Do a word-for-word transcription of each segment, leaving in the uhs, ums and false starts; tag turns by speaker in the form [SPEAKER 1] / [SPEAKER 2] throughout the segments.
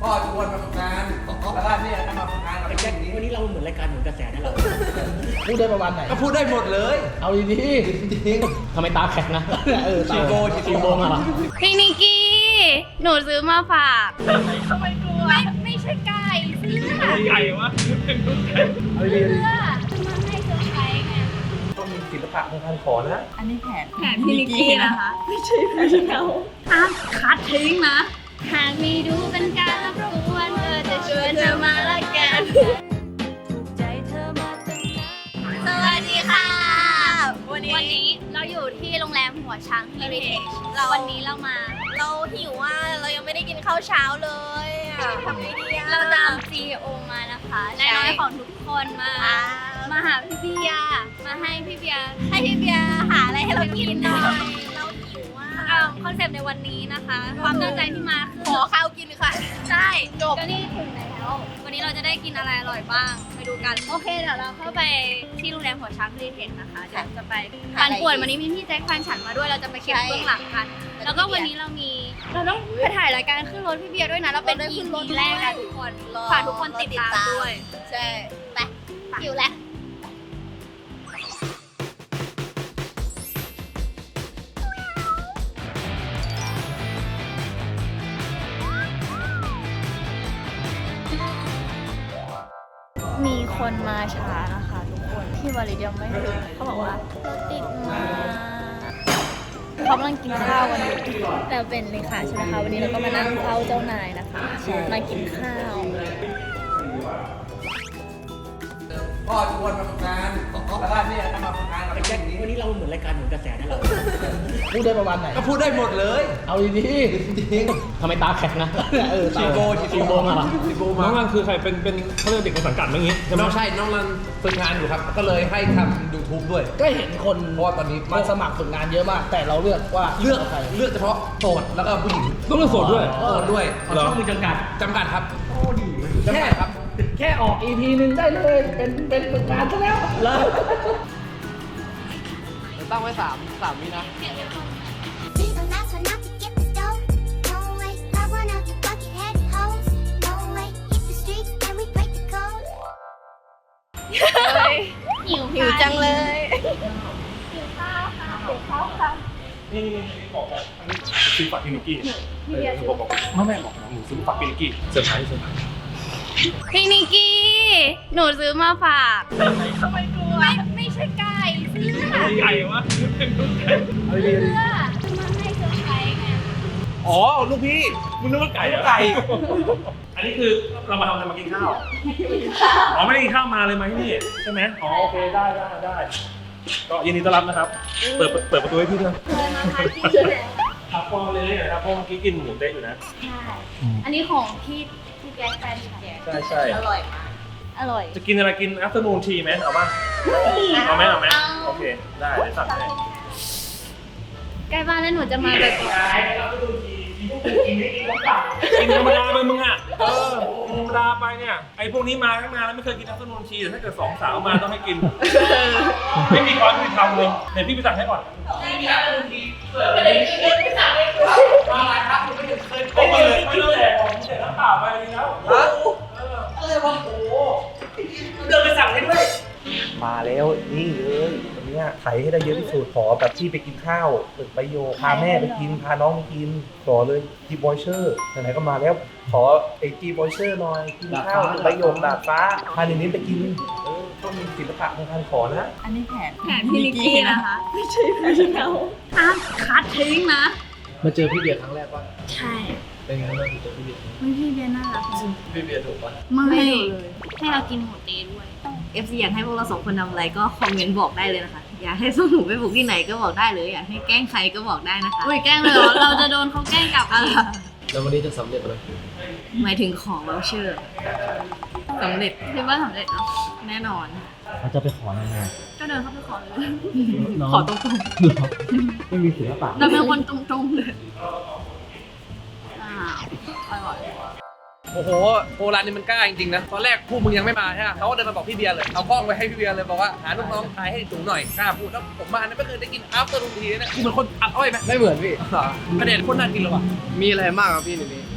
[SPEAKER 1] พ่อชวนมาฝึกงานแล้วก็เนี่ยทำมาฝึกงานกับแจ็คนี้
[SPEAKER 2] วันนี้เราเหมือนรายการเหมือนกระแสนะเราพูดได้ประมาณไหน
[SPEAKER 1] ก็พูดได้หมดเลย
[SPEAKER 2] เอาดีๆจริงทำไมตาแข็งนะเออ
[SPEAKER 1] ชิโก้ชิ
[SPEAKER 2] ชิโก้
[SPEAKER 1] โก้
[SPEAKER 2] มาเหรอ
[SPEAKER 3] พี่นิกกี้ หนูซื้อมาฝากทำไมกลัวไม่ไม่ใช่ไก่เสื้อ
[SPEAKER 4] ไก่วะ
[SPEAKER 2] เอาดี
[SPEAKER 3] เสื้อมาให้เซอร์ไพรส์ไง
[SPEAKER 1] ต้องมีศิลปะในการขอนะ
[SPEAKER 5] อันนี้แผน
[SPEAKER 3] แผนพี่นิกกี้นะคะ ไม่ใช่แผนเขาห้ามคัดทิ้งนะหากมีดูเป็นการรับรู้ว่าเธอจะชวนเธอมาละกันสวัสดีค่ะ
[SPEAKER 5] วันนี้
[SPEAKER 3] วันนี้เราอยู่ที่โรงแรมหัวช้างเฮริเทจเราวันนี้เรามา
[SPEAKER 5] เราหิวว่าเรายังไม่ได้กินข้าวเช้าเลยอะทำไงดีอะ
[SPEAKER 3] เราตาม ซี อี โอ มานะคะนายน้อยของทุกคนมา
[SPEAKER 5] อ่า
[SPEAKER 3] มาหาพี่เบียร์มาให้พี่เบียร์
[SPEAKER 5] ให้พี่เบียร์หาอะไรให้เรากินหน่อยเราหิวว่า
[SPEAKER 3] อ่าคอนเซปต์ในวันนี้นะคะ ความตั้งใจที่มาคือ
[SPEAKER 5] ขอข้าวกินค่ะ
[SPEAKER 3] ใช่
[SPEAKER 5] จบ
[SPEAKER 3] ก็นี่ถึงแล้ววันนี้เราจะได้กินอะไรอร่อยบ้างไปดูกันโอเคเดี๋ยวเราเข้าไปที่โรงแรมหัวช้างเฮริเทจนะคะเดี๋ยวจะไปการป่วนวันนี้มีพี่แจ็คแฟนฉันมาด้วยเราจะไปเก็บเบื้องหลังกัน แล้วก็วันนี้เรามีเราต้องไปถ่ายรายการขึ้นรถพี่เบียร์ด้วยนะเราเป็น อี พี แรกนะทุกคนฝากทุกคนติดตามด้วย
[SPEAKER 5] ใช่ไป
[SPEAKER 3] หิวแล้วมีคนมาช้านะคะทุกคนที่วาริเดียมไม่ถึงเขาบอกว่ารถติดมากเขากำลังกินข้าวกันอยู่แต่เป็นเลขาใช่ไหมคะวันนี้เราก็มานั่งเฝ้าเจ้านายนะคะมากินข้าว
[SPEAKER 1] พ่อชวนมาฝึกงานแล้วก็เนี่ยทำมาฝึกงานกับแจ็คนี้
[SPEAKER 2] วันนี้เราเหมือนรายการเหมือนกระแสนะเราพูดได้ประมาณไหน
[SPEAKER 1] ก็พูดได้หมดเลย
[SPEAKER 2] เอาดีๆจริงทำไมตาแข็งนะเออ
[SPEAKER 1] ชิโก้ชิ
[SPEAKER 2] ชิโก้มาเหรอ
[SPEAKER 1] ชิโก้
[SPEAKER 4] น้
[SPEAKER 1] มา
[SPEAKER 4] องรันคือใครเป็นเป็นเขาเรียกเด็กในสังกัดเมื่อกี้ใช่ไหม
[SPEAKER 1] น้องใช่น้องรันฝึกงานอยู่ครับ ก็เลยให้ทำ ยูทูบ ด้วย
[SPEAKER 2] ก็เห็นคน
[SPEAKER 1] เพราะว่าตอนนี้
[SPEAKER 2] มาสมัครฝึกงานเยอะมาก แต่เราเลือกว่า
[SPEAKER 1] เลือก
[SPEAKER 2] าใคร
[SPEAKER 1] เลือกเฉพาะโสดแล้วก็ผู้หญิง
[SPEAKER 4] ต้องเลือกโสดด้วย
[SPEAKER 1] โสดด้วย
[SPEAKER 2] เอาช่องมือจำกัด
[SPEAKER 1] จำกัดครับ
[SPEAKER 2] โอ้ดี
[SPEAKER 1] จำ
[SPEAKER 2] แค่
[SPEAKER 1] กัดครับ
[SPEAKER 2] แค่ออก อี พี หนึ่งได้เลย เป็นเป็นฝึกงานซะแล้วเลย
[SPEAKER 1] ตั้งไว้สามสามวินะ
[SPEAKER 6] These are not turn out to get the dough. No way, not one of you bucket-head hoes. No way, hit the streets and we break the code.
[SPEAKER 3] หิว
[SPEAKER 5] หิวจังเลย
[SPEAKER 3] หิวข้าวค่ะหิวข้าวค่ะ
[SPEAKER 4] นี่นี่นี่บอกบอกอันนี้ซื้อฝากพี่นิกกี้
[SPEAKER 3] พี่เบียร์ซื้อ
[SPEAKER 4] บอกบอกไม่ไม่บอกนะหนูซื้อฝากพี่นิกกี้เซอร์ไพรส์เซอร์ไพรส์
[SPEAKER 3] พี่นิกกี้ หนูซื้อมาฝากทำไมกลัวไม่ไม่ใช่ไก่เสื้อ
[SPEAKER 4] ไก่วะ
[SPEAKER 2] เอาดี
[SPEAKER 3] เสื้อมาให้เซอร์ไพรส์ไง
[SPEAKER 1] อ๋อ ลูกพี่
[SPEAKER 4] มึงนึกว่าไก่เหรอ
[SPEAKER 1] ไก่
[SPEAKER 4] อันนี้คือเรามาทำอะไรมากินข้าวอ๋อไม่ได้กินข้าวมาเลยมาที่นี่ใช่ไหมอ๋อโอเคได้ได้ได้ก็ยินดีต้อนรับนะครับ เปิดเปิดประตูให้พี่ด้วย
[SPEAKER 3] เคยมาพักที่นี่แล้ว
[SPEAKER 4] ครับฟองเลยนะครับเพราะเมื่อกี้กินหมูเต๊ะอยู่นะ
[SPEAKER 3] ใช่ อันนี้ของพี่พี่แจ๊คแฟนฉัน
[SPEAKER 4] ใช่ใช่
[SPEAKER 5] อร่อยมาก
[SPEAKER 3] อร่อย
[SPEAKER 4] จะกินอะไรกิน afternoon tea ไหมเอาป่ะเอาไหมเอาไหมโอเคได้เดี๋ยวสั่งให้
[SPEAKER 3] ใกล้บ้านแล้วหนูจะมาแบบ
[SPEAKER 4] กินธรรมดาไปมึงอ่ะ เออธรรมดาไปเนี่ย ไอ้พวกนี้มาตั้งนานแล้วไม่เคยกินอัฟเตอร์นูนทีแต่ถ้าเกิดสองสาวมาต้องให้กิน ไม่มีความยุติธรรมเลยเดี๋ยวพี่ไปสั่งให้ก่อนไม่มีอัฟเตอร์นูนทีเปิดไปเลยไม่สั่งเลยมาอะไรครับคุณไม่เคยไม่เคยไม่เลยผมเสร็จน้ำเปล่าไปเลยแล้วฮะอะไรวะโอ้โหเดินไปสั่งให้ด้วย
[SPEAKER 7] มาแล้วนี่เลยวันเนี้ยไถให้ได้เยอะที่สุดขอแบบที่ไปกินข้าวตึกใบโยพาแม่ไปกินพาน้องไปกินขอเลยจีบอยเชอร์ไหนๆก็มาแล้วขอไอจีบอยเชอร์หน่อยกินข้าวตึกใบโยดาดฟ้าพาหนินี้ไปกินเออต้องมีศิลปะในการขอนะ
[SPEAKER 5] อันนี้แผน
[SPEAKER 3] แผนพี่นิกกี้นะคะ ไม่ใช่แผนเขาห้ามคัดทิ้งนะ
[SPEAKER 2] มาเจอพี่เบียร์ครั้งแรกป่ะ
[SPEAKER 3] ใช่
[SPEAKER 2] เป็นไงบ้างเจอพี่เบียร์
[SPEAKER 3] ไม่พี่เบียร์น่ารัก
[SPEAKER 2] พี่เบียร์ถูกป่ะ
[SPEAKER 3] ไม่ให้เรากินหมูเต๊ด้วย
[SPEAKER 5] เอฟซีอยากให้พวกเราสองคนทำอะไรก็คอมเมนต์บอกได้เลยนะคะ อยากให้ส่งหนูไปบุกที่ไหนก็บอกได้เลย อยากให้แกล้งใครก็บอกได้นะคะ
[SPEAKER 3] อุ้ยแกล้งเลยเหรอ เราจะโดนเขาแกล้งกลับอะไร
[SPEAKER 2] แล้ววันนี้จะสำเร็จไหม
[SPEAKER 5] หมายถึงของเราเชื่อสำเร็จ
[SPEAKER 3] คิดว่าสำเร็จเนาะ
[SPEAKER 5] แน่นอน
[SPEAKER 2] เราจะไปขออะไรมา
[SPEAKER 3] ก็เดินเข้าไปขอเลย
[SPEAKER 5] ขอตรง
[SPEAKER 2] ไม่มีศิลปะ
[SPEAKER 3] เราเป็นคนตรงๆเลยอ้าวอร่อย
[SPEAKER 1] โอ้โหโบราณนี่มันกล้าจริงๆนะ ตอนแรกพวกมึงยังไม่มาใช่ไหมเขาก็เดินมาบอกพี่เบียร์เลย เอากล้องไปให้พี่เบียร์เลยบอกว่าหาลูกน้องถ่ายให้สูงหน่อย กล้าพูดแล้วผมมาเนี่ยไม่เคยได้กินอัฟเตอร์นูนทีนะกูเหมือนคนอัดอ้อยไหม
[SPEAKER 2] ไม่เหมือนพี่
[SPEAKER 1] กระเด็นโคตรน่ากินเลยว่ะ
[SPEAKER 2] มีอะไรมากครับพี่ในนี้
[SPEAKER 4] จะเป็นปู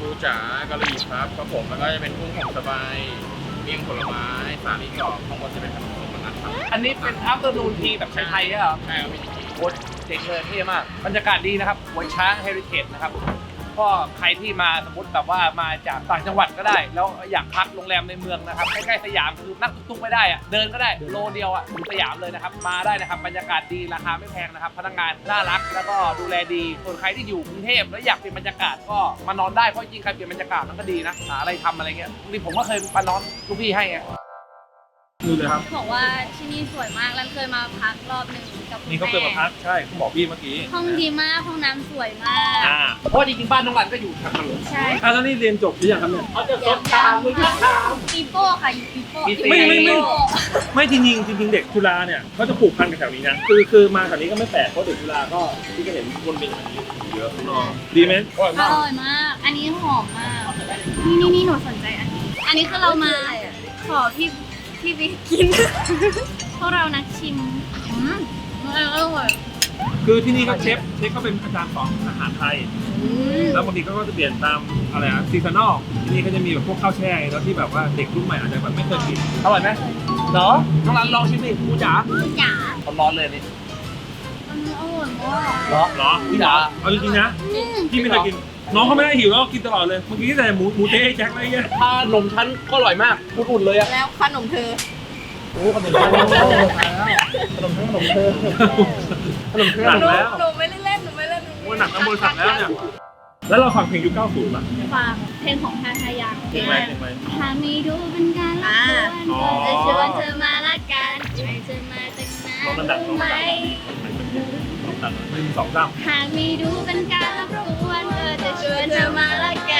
[SPEAKER 8] ปูจ๋ากะหรี่ครับครับผมแล้วก็จะเป็นกุ้งหอมสบายเมี่ยงผลไม้สาลี่กรอบข้างบนจะเป็นขนมส้มมันนะครับ
[SPEAKER 1] อันนี้เป็นอัฟเตอร์นูนทีแบบไทยๆใช่ไหมครับ
[SPEAKER 8] ใช่ครับพี่นิกกี้
[SPEAKER 1] โคตรเจ๋งเลยเท่มากบรรยากาศดีนะครับหัวช้างเฮริเทจนะครับก็ใครที่มาสมมติแบบว่ามาจากต่างจังหวัดก็ได้ แล้วอยากพักโรงแรมในเมืองนะครับใกล้ๆสยามคือนั่งตุ๊กๆไม่ได้อะเดินก็ได้โลเดียวอะถึงสยามเลยนะครับมาได้นะครับบรรยากาศดีราคาไม่แพงนะครับพนักงานน่ารักแล้วก็ดูแลดีส่วนใครที่อยู่กรุงเทพแล้วอยากเปลี่ยนบรรยากาศก็มานอนได้เพราะจริงๆใครเปลี่ยนบรรยากาศมันก็ดีนะหาอะไรทำอะไรเงี้ยบางทีผมก็เคยมานอนลูกพี่ให้ไง
[SPEAKER 4] ดูเลยครับ
[SPEAKER 3] บอกว่าที่นี่สวยมากรันเคยมาพักรอบหนึ่งกับคุณ
[SPEAKER 4] นี่เขาเคยมาพักใช่เขาบอกพี่เมื่อกี้
[SPEAKER 3] ห้องดีมากห้องน้ำสวยมาก
[SPEAKER 4] อ่า
[SPEAKER 1] เพราะว่าจริงๆบ้านน้องรันก็อยู่แถวถนน
[SPEAKER 3] ใช่
[SPEAKER 4] อ่ะแล้วนี่เรียนจบหรือยังครับเนี่ย
[SPEAKER 3] ปีโป้ค่ะอยู่ปีโป้
[SPEAKER 4] ไม่ไม่ไม่ ไม่จริงจริงๆจริงๆเด็กจุฬาเนี่ยเขาจะผูกพันกับแถวนี้นะคือคือมาแถวนี้ก็ไม่แปลกเพราะเด็กจุฬาก็ที่ก็เห็นคนเป็นแบบนี้เยอะน้องดีไหม
[SPEAKER 3] อร่อยมาก อันนี้หอมมาก นี่นี่นี่หนูสนใจอันนี้ อันนี้คือเรามาขอพี่พี่ไปกิน พวกเรานักชิมอืมอร่อย
[SPEAKER 4] คือที่นี่ก็เชฟเชฟก็เป็นอาจารย์สอนอาหารไทย
[SPEAKER 3] อืม
[SPEAKER 4] แล้วบางทีก็จะเปลี่ยนตามอะไรอะซีซันอลที่นี่ก็จะมีแบบพวกข้าวแช่แล้วที่แบบว่าเด็กรุ่นใหม่อาจจะแบบไม่เคยกิน
[SPEAKER 1] อร่อยไหมเนาะน้องรันลองชิมดิกูจ๋า
[SPEAKER 3] จ๋า
[SPEAKER 1] ร้อนๆเลยนี่
[SPEAKER 3] อันนี้อร่อยมาก
[SPEAKER 1] เนาะ
[SPEAKER 4] เหรอ
[SPEAKER 1] พี่จ๋า
[SPEAKER 4] เอาจริงๆนะพี่ไม่เคยกิน น้องเขาไม่ได้หิวแล้วก็กินตลอดเลยเมื่อกี้แต่หมูหมูเต๊ะแจ็คอะไรเงี้ย
[SPEAKER 1] ถ้านมชั้นก็อร่อยมากอุ่นๆเลยอะ
[SPEAKER 5] แล้วขนมเธอ
[SPEAKER 1] โอ้ขนมชั้นขนมชั้นขนมเธอขนมเธอ
[SPEAKER 4] หนักแล้ว
[SPEAKER 5] หนูไม่ได้เล่น หนูไม่เล่น
[SPEAKER 4] โอ้ยหนักทั้งบริษัทแล้วเนี่ยแล้วเราฟังเพลงยุคเก้าสิบป่ะ
[SPEAKER 3] ฝากเพลงของทาทายัง
[SPEAKER 4] เพลงไหมเพลงไหม
[SPEAKER 3] ถ้าไม่ดูเป็นการละ
[SPEAKER 4] อ๋อ
[SPEAKER 3] ครจะชวนเธอมาละกันให้เธอมาตั้งนาน
[SPEAKER 4] ลองระดับลอง
[SPEAKER 3] ไหม
[SPEAKER 4] ระดับลองระดับหนึ่งสองสาม
[SPEAKER 3] หากไม่ดูเป็นการละครเธอจะชวนเธอมาละกัน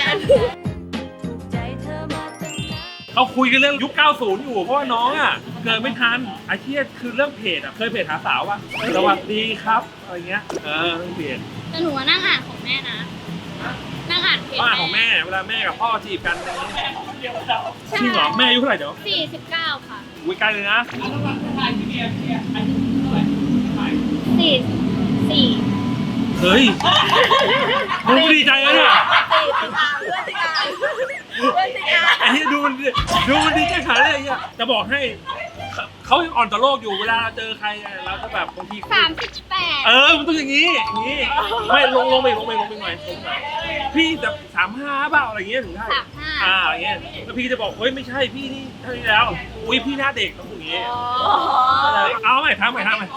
[SPEAKER 4] เขาคุยกันเรื่องยุคเก้าสิบอยู่เพราะว่าน้องอ่ะเกิดไม่ทันอาชีพคือเรื่องเพจอ่ะเคยเพจหาสาวป่ะสวัสดีครับอะไรเงี้ยเออเรื่องเพจ
[SPEAKER 3] แต่หนูว่านั่งอ่านของแม่นะ นั่งอ่านเพจ
[SPEAKER 4] บ้านของแม่เวลาแม่กับพ่อจีบกันอะไรเงี้ยจริงเหรอแม่อายุเท่าไหร่เดี๋ยว
[SPEAKER 3] สี่สิบเก้าค่ะ
[SPEAKER 4] อุ้ยใกล้เลยนะ
[SPEAKER 3] สี่สี่
[SPEAKER 4] เฮ้ยมึงดีใจแล้วเนี่ยไอ้เหี้ยดูมันดิดูมันดีใจขนาดไหนไอ้เหี้ยจะบอกให้เขาเขายังอ่อนต่อโลกอยู่เวลาเจอใครอะเราจะแบบบางที
[SPEAKER 3] สามสิบแปด
[SPEAKER 4] เออมันต้องอย่างนี้อย่างนี้ไม่ลงลงไปลงไปลงไปหน่อยลงหน่อยพี่จะสามห้าเปล่าอะไรเงี้ยถึงได้
[SPEAKER 3] สามห้า
[SPEAKER 4] อ่าอย่างเงี้ยแล้วพี่จะบอกเฮ้ยไม่ใช่พี่นี่เท่านี้แล้วอุ้ยพี่หน้าเด็กต้องอย่างงี้เอาใหม่ทำใหม่ทำใหม่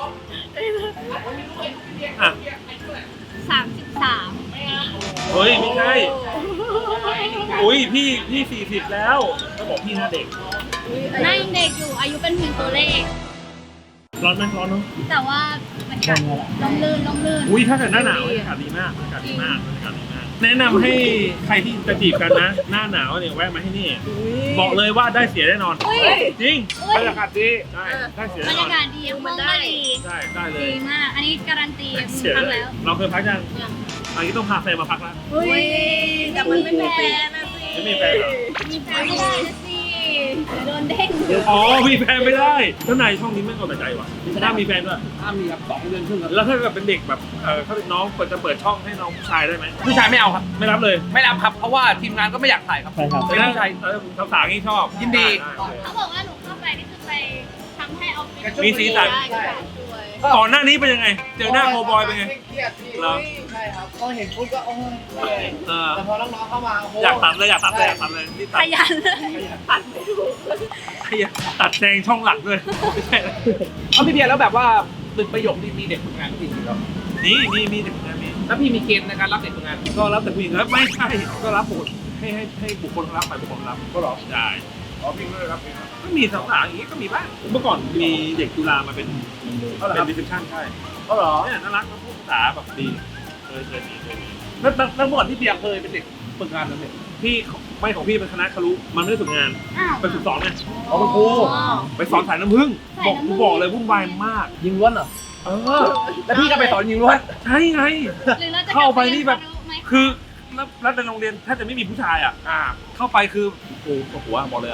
[SPEAKER 4] อ่ะ
[SPEAKER 3] สามสิบสาม
[SPEAKER 4] เฮ้ยไม่ใช่อุ้ยพี่พี่สี่สิบแล้วก็บอกพี่หน้าเด็ก
[SPEAKER 3] หน้ายังเด็กอยู่ อายุเป็นเพียงตัวเลข
[SPEAKER 4] ร้อนไหมร้อนเนาะ
[SPEAKER 3] แต่ว่าบรรยากาศลมลื่นลมลื่น
[SPEAKER 4] อุ้ยถ้าเกิดหน้าหนาวบรรยากาศดีมากบรรยากาศดีมากบรรยากาศดีมากแนะนำให้ใครที่จะจีบกันนะ หน้าหนาวเนี่ยแวะมาที่นี่บอกเลยว่าได้เสียแน่นอน
[SPEAKER 3] เฮ้ย
[SPEAKER 4] จริง
[SPEAKER 3] เฮ้
[SPEAKER 1] บร
[SPEAKER 3] ย
[SPEAKER 1] รยากาศดี
[SPEAKER 4] ได้ได้เสีย
[SPEAKER 3] บร
[SPEAKER 4] แน่
[SPEAKER 3] ร
[SPEAKER 4] นอย
[SPEAKER 3] าน กาศดีห้องก็ดี
[SPEAKER 4] ใช่ได้เลย
[SPEAKER 3] ดีมาก อันนี้การันตี
[SPEAKER 4] เสีย
[SPEAKER 3] ครั้ง
[SPEAKER 4] เลย
[SPEAKER 3] แล้ว
[SPEAKER 4] เราเคยพักยังอันนี้ต้องพาแฟนมาพักแล้ว
[SPEAKER 3] เฮ้ยแต่มันไม่แฟนนะสิ
[SPEAKER 4] ไม่มีแฟนเหรอ
[SPEAKER 3] มีแฟนไม่ได้นะสิเดี๋ยวโดนเด้ง
[SPEAKER 4] อ๋อมีแฟนไม่ได้เจ้านายช่องนี้ไม่เอาแต่ใจว่ะถ้ามีแฟนด้วย
[SPEAKER 1] ถ้ามีครับสองเดือนครึ่งครับ
[SPEAKER 4] แล้วถ้าเกิดเป็นเด็กแบบเออถ้าเป็นน้องเปิดจะเปิดช่องให้น้องผู้ชายได้ไหม
[SPEAKER 1] ผู้ชายไม่เอาครับ
[SPEAKER 4] ไม่รับเลย
[SPEAKER 1] ไม่รับครับเพราะว่าทีมงานก็ไม่อยากถ่ายครับ
[SPEAKER 2] ใช่ครับ
[SPEAKER 1] เป็นผู้ชาย
[SPEAKER 4] เออสาวๆนี่ชอบ
[SPEAKER 1] ยินดี
[SPEAKER 4] ได้ได้
[SPEAKER 3] เขาบอกว่าหนูเข้าไปนี่คือไปทำให้ออฟฟิศ
[SPEAKER 4] มีสีสัน
[SPEAKER 3] ใช่
[SPEAKER 4] ก่อนหน้านี้เป็นยังไง เจอหน้าโคบอยเป็นไง
[SPEAKER 2] เครียดพี่
[SPEAKER 4] เหรอ
[SPEAKER 2] ใช่ครับก็เห็นปุ๊บก็โอ้ยเลย
[SPEAKER 4] เออ
[SPEAKER 2] แต่พอน้องๆเข้ามาโอ้โห
[SPEAKER 4] อยากตัดเลยอยากตัดเลยอยากตัดเลยนี่ตั
[SPEAKER 3] ข
[SPEAKER 4] ด
[SPEAKER 3] ยันเลย
[SPEAKER 4] ขยันตัดแซงช่องหลักด้วยไม่ใช่นะ
[SPEAKER 1] เอาพี่เบียร์แล้วแบบว่าตึกประโยคนี่มีเด็กฝึกงานจริงๆแล้ว
[SPEAKER 4] นี่นี่มีเด็กฝึกงานมี
[SPEAKER 1] แล้วพี่มีเกณฑ์ในการรับเด็กฝึกงาน
[SPEAKER 4] ก็รับแต่ผู้หญิงแล้วไม่ใช่ก็รับบุคคลให้ให้ให้บุคคลรับไปบุคคลรับก็รับได้
[SPEAKER 1] อ๋อพี่ไม่ได้รับเอง
[SPEAKER 4] ก็มีสาวๆอย่างนี้ก็มีบ้างเมื่อก่อนมีเด็กจุฬามาเป็นเป็นรีเซพชันใช่
[SPEAKER 1] ก็เหรอ
[SPEAKER 4] เนี่ยน่ารักแล้วพูดภาษาแบบดีเคยเคยมีเคยมี
[SPEAKER 1] แล้วแล้วเมื่อก่อนพี่เบียร์เคยเป็นเด็กฝึกงานนั่นเอง
[SPEAKER 4] พี่ไม่ของพี่เป็นคณะครุมันไม่ได้ฝึกงาน
[SPEAKER 3] อ้าว
[SPEAKER 4] เป็นฝึกสอนไง
[SPEAKER 1] อ๋อเป็นครู
[SPEAKER 4] ไปสอนสายน้ำผึ้งบอกกูบอกเลยวุ่นวายมาก
[SPEAKER 1] ยิงล้วนเหรอ
[SPEAKER 4] เออ
[SPEAKER 1] แล้วพี่ก็ไปสอนยิงล้วน
[SPEAKER 4] ใช่ไง
[SPEAKER 3] หรือเราจะ
[SPEAKER 4] เข้าไปนี่แบบ
[SPEAKER 3] ไหม
[SPEAKER 4] คือแล้วแล้วในโรงเรียนแทบจะไม่มีผู้ชายอ่ะ อ่า เข้าไปคือโอ้โหหัวบอกเลยอะ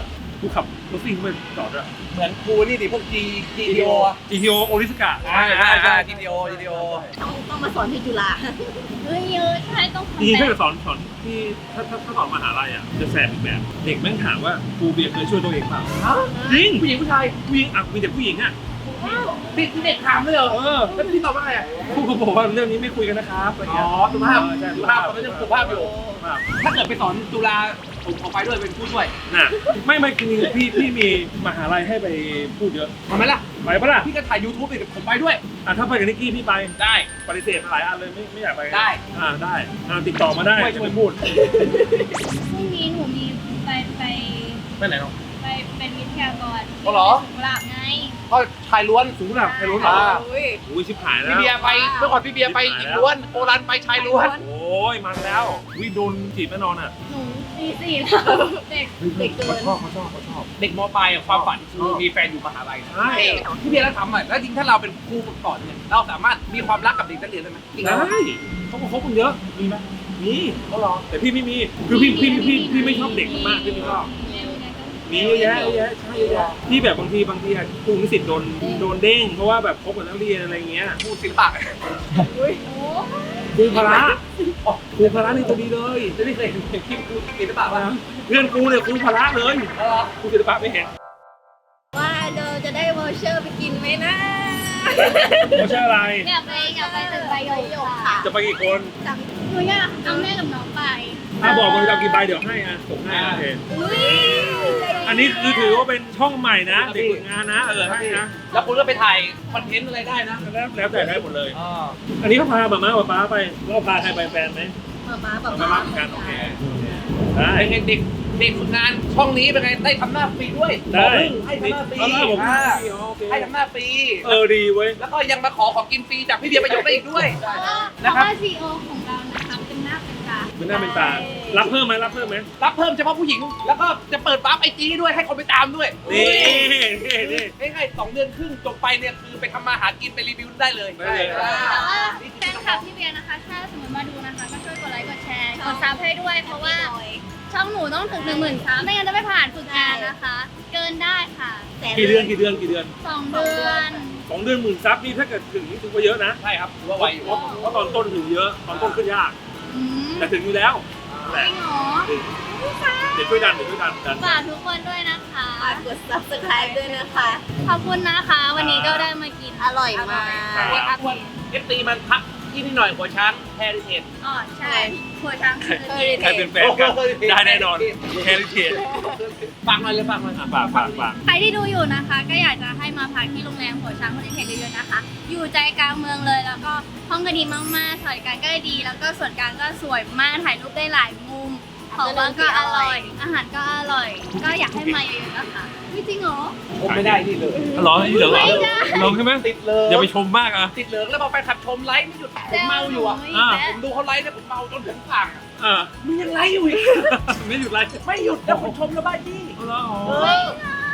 [SPEAKER 4] กูขับรถซิ่งไปจอดอะ
[SPEAKER 1] เหมือนครูนี่ดิพวก G G T O อะ
[SPEAKER 4] จีทีโอโอริสกะ
[SPEAKER 1] ใช่ใช่ใช่ G T O G T O
[SPEAKER 5] ต้องต้องมาสอนที่จุฬา
[SPEAKER 3] เฮ้ยเยอะใช่ต้อง
[SPEAKER 4] จริงๆ
[SPEAKER 3] ทำ
[SPEAKER 4] ถ้า
[SPEAKER 3] แบ
[SPEAKER 4] เกิ
[SPEAKER 3] บ
[SPEAKER 4] ดสอนสอนที่ถ้าถ้าถ้าสอนมหาลัยอ่ะจะแสบอีกแบบ เด็กแม่งถามว่าครูเบียร์เคยช่วยตัวเองเปล่าจริง
[SPEAKER 1] ผู้หญิงผู้ชาย
[SPEAKER 4] ผู้หญิงอ่ะมีแต่ผู้หญิงอ่ะ
[SPEAKER 1] เด็กเด็กถามเลยเหรอ
[SPEAKER 4] เออ
[SPEAKER 1] แล้วพี่ตอบว่าไงอะ
[SPEAKER 4] ครูก็บอกว่าเรื่องนี้ไม่คุยกันนะครับอะไร
[SPEAKER 1] อ๋
[SPEAKER 4] เงี้
[SPEAKER 1] อย สุภาพ
[SPEAKER 4] เออใช่
[SPEAKER 1] สุภาพตอนนั้นยังสุภาพอยู่
[SPEAKER 4] สุภาพ
[SPEAKER 1] ถ้าเกิดไปสอนจุฬาผมขอไปด้วยเป็นผู้ช่วย
[SPEAKER 4] น่ะไม่ไม่คือพี่พี่มีมหาลัยให้ไปพูดเยอะ
[SPEAKER 1] ทำไหมล่ะ
[SPEAKER 4] ไปปะล่ะ
[SPEAKER 1] พี่ก็ถ่าย YouTube อีกผมไปด้วย
[SPEAKER 4] อ่ะถ้าไปกับนิกกี้พี่ไป
[SPEAKER 1] ได้
[SPEAKER 4] ปฏิเสธมาหลายอันเลยไม่ไม่อยากไป
[SPEAKER 1] ได้
[SPEAKER 4] อ่าได้อ่าติดต่อมาได้
[SPEAKER 1] ช่วย
[SPEAKER 4] จะ
[SPEAKER 1] ช่วย
[SPEAKER 4] ไปพูด
[SPEAKER 3] พรุ่งนี้หนูมีไปไป
[SPEAKER 1] ไปไหนเนาะ
[SPEAKER 3] ไปเป็นวิทยากร
[SPEAKER 1] อ๋อเหรอ
[SPEAKER 3] ที่สุราษฎร์ไง
[SPEAKER 1] ก็ชายล้วน
[SPEAKER 4] สูงระดับใครรู้เหรอ
[SPEAKER 1] อ่า
[SPEAKER 4] อุ้ยชิบหายแล้ว
[SPEAKER 1] พี่เบียร์ไปเมื่อก่อนพี่เบียร์ไปหญิงล้วนโอรันไปชายล้วน
[SPEAKER 4] โอ้ยมันแล้ววิโดนจีบแน่นอนอ่ะ
[SPEAKER 3] หนูปีสี่แล้วเด็ก
[SPEAKER 5] เด็กเกิน
[SPEAKER 4] เขาชอบเขาชอบเขาชอบ
[SPEAKER 1] เด็กมปลายอะความฝันคือมีแฟนอยู่มหาลัย
[SPEAKER 4] ใช่
[SPEAKER 1] พี่เบียร์แล้วทำอ่ะแล้วจริงถ้าเราเป็นครูฝึกสอนเนี่ยเราสามารถมีความรักกับเด็กนักเรียนได้ไหมจริง
[SPEAKER 4] ได้
[SPEAKER 1] ไหม
[SPEAKER 4] เขาก็คบกันเยอะมีไหมมีเขารอแต่พี่ไม่มีคือพี่พี่พี่พี่ไม่ชอบเด็กมากพี่ไม่ชอบมีเยอะแยะเยอะแยะใช่เยอะแยะที่แบบบางทีบางทีอะครูนิสิตโดนโดนเด้งเพราะว่าแบบคบกับนักเรียนอะไรเงี้ย
[SPEAKER 1] ครูศิลปะ
[SPEAKER 4] ครูพละครูพละนี่ตัวดีเลย
[SPEAKER 1] จะไม่เคยเห็นคลิปครูศิลปะป่ะ
[SPEAKER 4] เพื่อนกูเนี่ยครูพละเลย
[SPEAKER 1] เออ
[SPEAKER 4] ครูศิลปะไม่เห็น
[SPEAKER 5] ว่าเราจะได้วอเชอร์ไปกินไหมนะ
[SPEAKER 4] เขาชื่ออะไร
[SPEAKER 3] อยากไปอยากไปตึกใบหยกค่ะ
[SPEAKER 4] จะไปกี่คน
[SPEAKER 3] หนูอยากเอาแม่กับน้องไป
[SPEAKER 4] ถ้าบอกมันจะเอากี่ใบเดี๋ยวให้อ่ะส่งให้โอเคอันนี้คือถือว่าเป็นช่องใหม่นะเด็กฝึกงานนะเออให้นะ
[SPEAKER 1] แล้วคุณก็ไปถ่ายคอนเทนต์อะไรได้นะ
[SPEAKER 4] แล้วแล้วแต่ได้หมดเลย
[SPEAKER 1] อ่า
[SPEAKER 4] อันนี้เขาพาแบบมาป๊าป๊าไปแล้วพาใครไปแฟนไหม
[SPEAKER 5] มาม้าแบบ
[SPEAKER 4] มา
[SPEAKER 5] ม้า
[SPEAKER 4] บ้านเหมือนกันโอเคได้
[SPEAKER 1] เป็นไงเด็กเด็กฝึกงานช่องนี้เป็นไงได้ทำหน้าฟรีด้วย
[SPEAKER 4] ได้
[SPEAKER 1] ให้ทำหน้าฟรี
[SPEAKER 4] เอาละผม
[SPEAKER 1] อ่า
[SPEAKER 4] โอเค
[SPEAKER 1] ให้ทำหน้าฟรี
[SPEAKER 4] เออดีเว้ย
[SPEAKER 1] แล้วก็ยังมาขอของกินฟรีจากพี่เบียร์ประโยชน์ได้อีกด้วย
[SPEAKER 3] เพราะ
[SPEAKER 1] นะครั
[SPEAKER 3] ว่า
[SPEAKER 1] บ
[SPEAKER 3] ซีโอของเรานะคะเป็นหน้าเป็นตา
[SPEAKER 4] เป็นหน้าเป็นตา รับเพิ่มไหมรับเพิ่มไหม
[SPEAKER 1] รับเพิ่มเฉพาะผู้หญิง แล้วก็จะเปิดวาร์ปไอจีด้วยให้คนไปตามด้วย
[SPEAKER 4] นี่นี่นี่
[SPEAKER 1] ง่ายๆสองเดือนครึ่งจบไปเนี่ยคือไปทำมาหากินไปรีวิวได้เลย
[SPEAKER 4] ได้เลย
[SPEAKER 1] อ่า
[SPEAKER 3] แต่ว่าแฟนคลับพี่เบียร์นะคะ ถ้าสมมติมาดูนะคะ ก็ช่วยกดไลค์กดแชร์กดซับให้ด้วย เพราะว่าช่องหนูต้องถึงหนึ่งหมื่นซับไม่งั้นจะไม่ผ่านฝึกงานนะคะ เกินได้ค่ะ
[SPEAKER 4] กี่เดือนกี่เดือนกี่เดือน
[SPEAKER 3] สองเดือน
[SPEAKER 4] สองเดือนหมื่นซับนี่ถ้าเกิดถึงนี่ถือว่าเยอะนะ
[SPEAKER 1] ใช่ครับถือว่าไวอยู่
[SPEAKER 4] เพราะเพราะตอนต้นถึงเยอะ ตอนต้นขึ้นยาก
[SPEAKER 3] อืม
[SPEAKER 4] แต่ถึงอยู่แล้ว
[SPEAKER 3] จ
[SPEAKER 4] แหละ
[SPEAKER 3] ริงเหรอ
[SPEAKER 4] เดี๋ยวช่วยดันเดี๋ยวช่วยดันดัน
[SPEAKER 3] ฝากทุกคนด้วยนะคะ
[SPEAKER 5] ฝากกด subscribe ด้วยนะคะ
[SPEAKER 3] ขอบคุณนะคะ วันนี้ก็ได้มากิน
[SPEAKER 5] อร่อยมาก
[SPEAKER 3] เวทอัพ
[SPEAKER 1] เอฟซีมันพักที่นี่หน่อยหัวช้างแฮริเทจ
[SPEAKER 3] อ๋อใช่หัวช้างคือ
[SPEAKER 5] Heritage
[SPEAKER 4] ใครเป็นแฟนกันได้แน่นอนแฮร์รี่เทีย
[SPEAKER 1] ฝากหน่อยเลยฝากหน่อย
[SPEAKER 4] ฝากฝากฝาก
[SPEAKER 3] ใครที่ดูอยู่นะคะ ก็อยากจะให้มาพักที่โรงแรมหัวช้างคอนเทนต์เยอะๆนะคะ อยู่ใจกลางเมืองเลย แล้วก็ห้องก็ดีมากๆสวัสดิการก็ดี แล้วก็ส่วนกลางก็สวยมากถ่ายรูปได้หลายมุม ของว่างก็อร่อย อาหารก็อร่อย ก็อยากให้มาเยอะๆนะคะไม่จริงเหรอ
[SPEAKER 1] ผมไม่ได้นี่เลย
[SPEAKER 4] ร้องนี่เหลืองเหรอ
[SPEAKER 3] ไม่ได้
[SPEAKER 4] ร้องใช่ไหม
[SPEAKER 1] ติดเลย
[SPEAKER 4] อย่าไปชมมากอ่ะ
[SPEAKER 1] ติดเหลืองแล้วพอไปขับชมไลฟ์ไม่หยุดผมเมาอยู่อ่ะ
[SPEAKER 4] อ่า
[SPEAKER 1] ผมดูเขาไลฟ์เนี่ยผมเมาจนถึงฝั่งอะ
[SPEAKER 4] อ่า
[SPEAKER 1] มึงยังไลฟ์อยู่อีก
[SPEAKER 4] ไม่หยุดไลฟ์
[SPEAKER 1] ไม่หยุดแล้วผมชมแล้วบ้าจี้
[SPEAKER 4] เอาละอ๋อ
[SPEAKER 1] เออ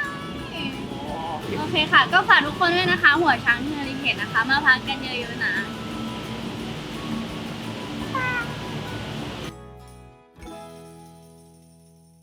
[SPEAKER 3] โอเคค่ะ ก็ฝากทุกคนด้วยนะคะ หัวช้างที่เฮริเทจนะคะ มาพักกันเยอะๆนะ